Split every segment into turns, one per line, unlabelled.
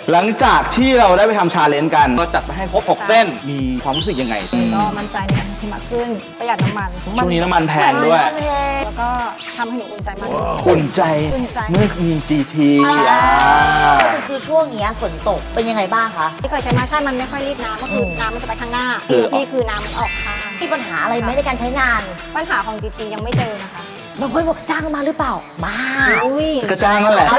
หลังจากที่เราได้ไปทำชาเลนจ์กันก็จัดไปให้ครบ6เส้นมีความรู้สึกยังไง
ก็มั่นใจในการที่มากขึ้นประหยัดน้ำมัน
ช่วงนี้น้ำมันแพงด้วย
แล้วก็ทำให้หนูอุ่นใจมาก
อุ่นใจเมื่อมี GT
คือช่วงนี้ฝนตกเป็นยังไงบ้างคะ
ที่เคยใช้มาใช่มันไม่ค่อยรีดน้ำก็คือน้ำมันจะไปข้างหน้าพี่คือน้ำมันออกข้าง
มีปัญหาอะไรไหมในการใช้งาน
ปัญหาของ GT ยังไม่เจอนะคะ
บางคนบอกจ้างมาหรือเปล่าบ้า
ก็จ้างนั่นแหละ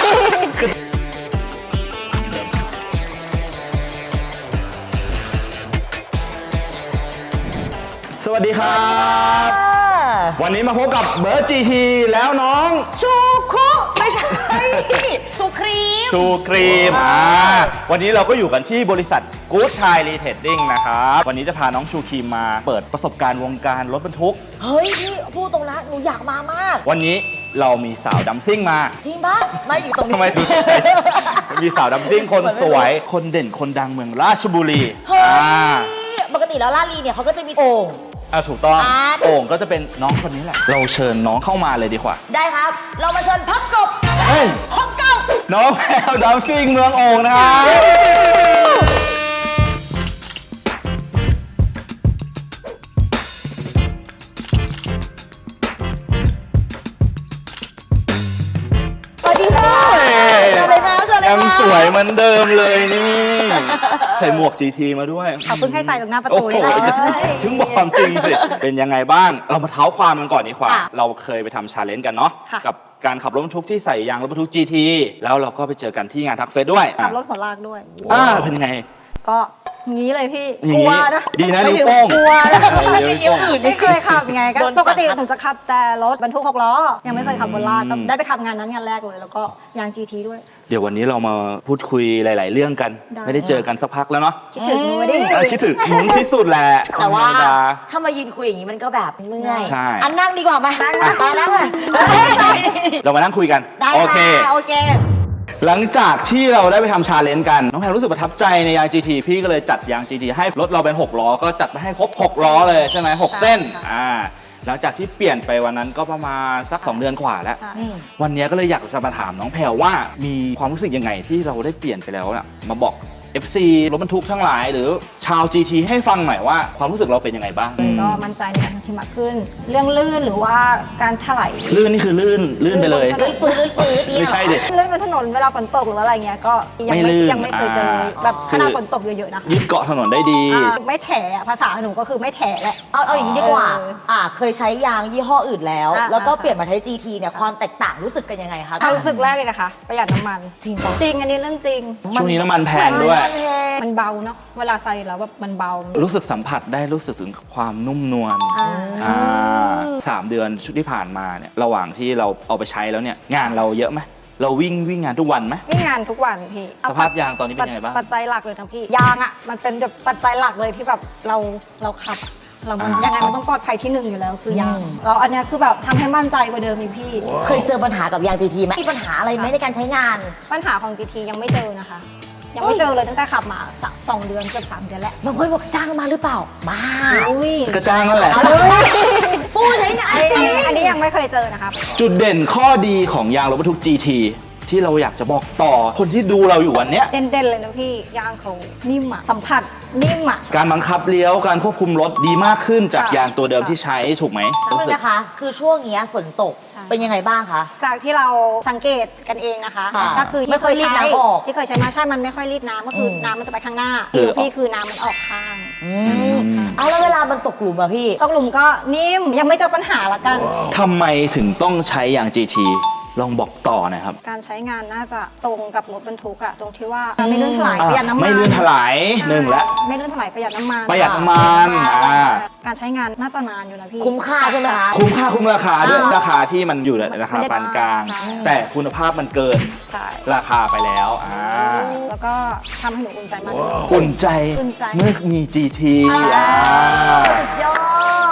สวัสดีครับวันนี้มาพบกับเบิร์ด GT แล้วน้อง
ชูคุไม่ใช่ชูครีม
วันนี้เราก็อยู่กันที่บริษัท Good Thai Retailing นะครับวันนี้จะพาน้องชูครีมมาเปิดประสบการณ์วงการรถบรรทุก
เฮ้ยพี่พูดตรงนะหนูอยากมามาก
วันนี้เรามีสาวดัมซิ่งมา
จริงปะไม่อยู่ตรงนี้
ทำไมถึงมีสาวดัมซิ่งคนสวยคนเด่นคนดังเมืองราชบุรี
เฮ้ยปกติแล้วราชบุรีเนี่ยเขาก็จะมีโอ่ง
ถูกต้องโอ่งก็จะเป็นน้องคนนี้แหละเราเชิญน้องเข้ามาเลยดีกว่า
ได้ครับเรามาเชิญพับกบพับกบ
น้องแพรวดัมซิ่งเมืองโอ่งนะครับยังสวยเหมือนเดิมเลยนี่ใส่หมวก GT มาด้วย
ขอบคุณให้ใส่ตรงหน้าประตูนี่
ถึงบอกความจริงสิเป็นยังไงบ้างเรามาเท้าความกันก่อนดีกว่าเราเคยไปทำชาเลนจ์กันเนาะกับการขับรถบรรทุกที่ใส่ยางรถบรรทุก GT แล้วเราก็ไปเจอกันที่งานทักเฟสด้วย
ขับรถหัวลากด้วย
เป็นไง
ก็งี้เลยพี่กลัวนะ
ดีนะนิ้วโป้ง
กลัวนะไม่เคยขับไงก็ปกติผมจะขับแต่รถบรรทุก6 ล้อยังไม่เคยขับบนลากก็ได้ไปขับงานนั้นงานแรกเลยแล้วก็ยาง GT ด้วย
เดี๋ยววันนี้เรามาพูดคุยหลายๆเรื่องกันไม่ได้เจอกันสักพักแล้วเนาะ
คิดถึงหนูดิ
คิดถึงหนูที่สุดแหละ
แต่ว่าถ้ามายืนคุยอย่างนี้มันก็แบบเมื่อยนั่งดีกว่าไหมนั่ง
เรามานั่งคุยกันโอเคหลังจากที่เราได้ไปทำชาเลนจ์กันน้องแพรรู้สึกประทับใจในยาง GT พี่ก็เลยจัดยาง GT ให้รถเราเป็น6 ล้อก็จัดไปให้ครบ6 ล้อเลยใช่ไหม6 เส้นหลังจากที่เปลี่ยนไปวันนั้นก็ประมาณสัก2 เดือนกว่าแล้ววันนี้ก็เลยอยากจะมาถามน้องแพรว่ามีความรู้สึกยังไงที่เราได้เปลี่ยนไปแล้วนะมาบอก FC รถบรรทุกทั้งหลายหรือชาว GT ให้ฟังหน่อยว่าความรู้สึกเราเป็นยังไงบ้าง
ก็มั่นใจในการที่มากขึ้นเรื่องลื่นหรือว่าการถลาย
ลื่นนี่คือลื่นไปเลย
ปื้ด
ไม่ใช่ดิ
ลื่นบนถนนเวลาฝนตกหรืออะไรเงี้ยก็ยังไม่เคยเจอแบบขนาดฝนตกเยอะๆนะ
ยึดเกาะถนนได้ดี
ไม่แถภาษาหนูก็คือไม่แถแหละ
เอาอย่างนี้ดีกว่าเคยใช้ยางยี่ห้ออื่นแล้วก็เปลี่ยนมาใช้ GT เนี่ยความแตกต่างรู้สึกกันยังไงคะ
รู้สึกแรกเลยนะคะประหยัดน้ำมัน
จริง
อันนี้เรื่องจริง
ช่วงนี้น้ำมันแพงด้วย
มันเบาเนาะเวลาใส่แล้วแบบมันเบา
รู้สึกสัมผัสได้รู้สึกถึงความนุ่มนวล3 เดือนที่ผ่านมาเนี่ยระหว่างที่เราเอาไปใช้แล้วเนี่ยงานเราเยอะไหมเราวิ่งงานทุกวันไหม
วิ่งงานทุกวันพี่
สภาพยางตอนนี้เป็นยังไงบ้าง
ปัจจัยหลักเลยทั้งพี่ยางอ่ะมันเป็นแบบปัจจัยหลักเลยที่แบบเราขับเรายังไงมันต้องปลอดภัยที่1อยู่แล้วคือยางแล้วอันนี้คือแบบทำให้มั่นใจกว่าเดิมอีกพี่
เคยเจอปัญหากับยาง GT ไหมมีปัญหาอะไรไหมในการใช้งาน
ปัญหาของ GT ยังไม่เจอนะคะยังไม่เจอเลยตั้งแต่ขับมา2 เดือนเกือบ3 เดือนแล้ว
บางคนบอกจ้างมาหรือเปล่าบ้า
ก็จ้างนั่นแหละ
ผู้ใช้งานจริง
อันนี้ยังไม่เคยเจอนะครับ
จุดเด่นข้อดีของยางรถบรรทุก GT ที่เราอยากจะบอกต่อคนที่ดูเราอยู่วันนี้
เด่นเลยนะพี่ยางเขานิ่มอะสัมผัสนิ่มอะ
การบังคับเลี้ยวการควบคุมรถดีมากขึ้นจากยางตัวเดิมที่ใช้ถูกไหม
นะคะคือช่วงนี้ฝนตกเป็นยังไงบ้างคะ
จากที่เราสังเกตกันเองนะคะก็คือ
ไม่ค่อยรีดน้ำออก
ที่เคยใช้มาใช่มันไม่ค่อยรีดน้ำก็คือน้ำมันจะไปข้างหน้าพี่คือน้ำมันออกข้าง
แล้วเวลามันตกหลุมอะพี่
ตกหลุมก็นิ่มยังไม่เจอปัญหาละกัน
ทำไมถึงต้องใช้ยาง GTลองบอกต่อหน่อยครับ
การใช้งานน่าจะตรงกับรถบรรทุกอะตรงที่ว่าไม่ลื่นถลายประหยัดน้ำมัน
ไม่ลื่นถลาย1แล้ว
ไม่ลื่นถลายประหยัดน้ำมันการใช้งานน่าจะนานอยู่นะพี่
คุ้มค่าใช่ไหมคะ
คุ้มราคาด้วยราคาที่มันอยู่ในราคาปานกลางแต่คุณภาพมันเกินราคาไปแล้ว
แล้วก็ทำให้หนูอุ่นใจมาก
อุ่นใจเมื่อมี GT
สุดยอด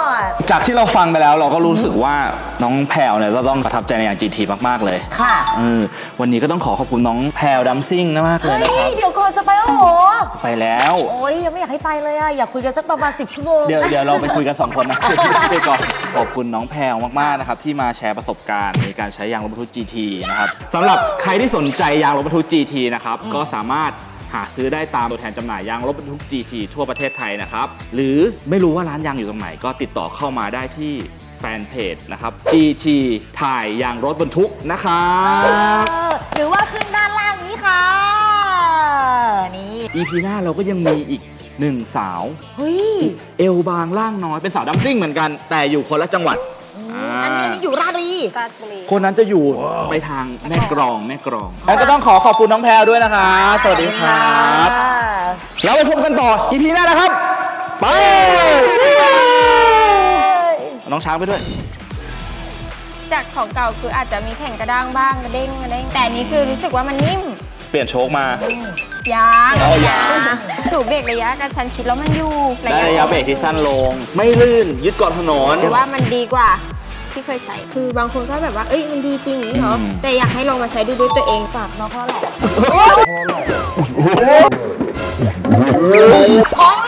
จากที่เราฟังไปแล้วเราก็รู้สึกว่าน้องแพรวเนี่ยจะต้องประทับใจในยาง GT มากๆเลย
ค่ะ
วันนี้ก็ต้องขอบคุณน้องแพรวดัมซิ่งมากเลย
เฮ้
นะครับ
ยเดี๋ยวก่อนจะไปแล้วเหรอ
ไปแล้ว
โอ้ยยังไม่อยากให้ไปเลยอะอยากคุยกันสักประมาณ10 ชั่วโมง
เดี๋ยวเราไปคุยกัน 2 คนนะ ไปก่อนขอบคุณน้องแพรวมากๆนะครับที่มาแชร์ประสบการณ์ในการใช้ยางรถบรรทุก GT นะครับสำหรับใครที่สนใจยางรถบรรทุก GT นะครับก็สามารถหาซื้อได้ตามตัวแทนจำหน่ายยางรถบรรทุก GT ทั่วประเทศไทยนะครับหรือไม่รู้ว่าร้านยางอยู่ตรงไหนก็ติดต่อเข้ามาได้ที่แฟนเพจนะครับ GT ถ่ายยางรถบรรทุกนะครับ
หรือว่าขึ้นด้านล่างนี้ค่ะ นี่
EP หน้าเราก็ยังมีอีกหนึ่งสาว
เฮ้ย
เอวบางล่างน้อยเป็นสาวดัมซิ่งเหมือนกัน แต่อยู่คนละจังหวัด
อันนี้อยู่ราชบุรี
ราชบุรี
คนนั้นจะอยู่ไปทางแม่กรองแล้วก็ต้องขอบคุณน้องแพรวด้วยนะครับสวัสดีครับแล้วไปพบกันต่อ EP หน้านะครับ ไป น้องช้างไปด้วย
จากของเก่าคืออาจจะมีแข็งกระด้างบ้างกระเด้งแต่อันนี้คือรู้สึกว่ามันนิ่ม
เปลี่ยนโชคมา
ยาง
เอายาง
ถูกเบรกระยะกระชั้นชิดแล้วมันอยู่
ได้ระยะเบรกที่สั้นลง ไม่ลื่นยึดเกาะถนน
หรือว่ามันดีกว่าที่เคยใช้ คือบางคนก็แบบว่าเอ้ยมันดีจริงอย่างนี้เหรอ แต่อยากให้ลองมาใช้ดูด้วยตัวเอง
ฝากน้องพ่อแหละ ของ